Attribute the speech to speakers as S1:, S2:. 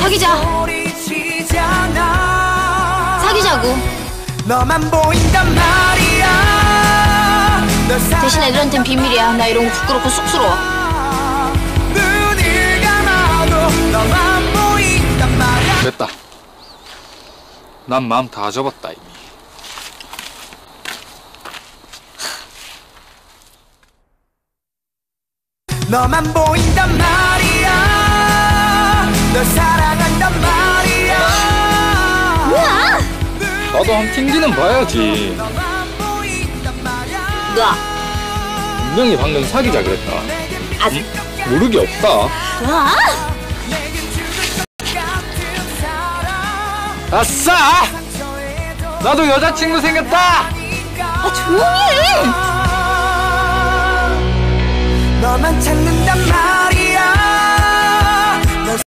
S1: 사귀자. 사귀자고.
S2: 너만 보인단 말이야.
S1: 대신 애들한텐 비밀이야. 나 이런 거 부끄럽고 쑥스러워.
S2: 눈을 감아도 너만 보인단 말이야.
S3: 됐다. 난 마음 다 접었다 이미.
S2: 너만 보인단 말이야. 널 사랑한단 말이야.
S1: 뭐야?
S3: 나도 한 튕기는 봐야지.
S1: 너.
S3: 분명히 방금 사귀자 그랬다. 모르게 없다.
S1: 뭐?
S3: 아싸! 나도 여자친구 생겼다!
S1: 아, 조용히 해!
S2: 너만 찾는단 말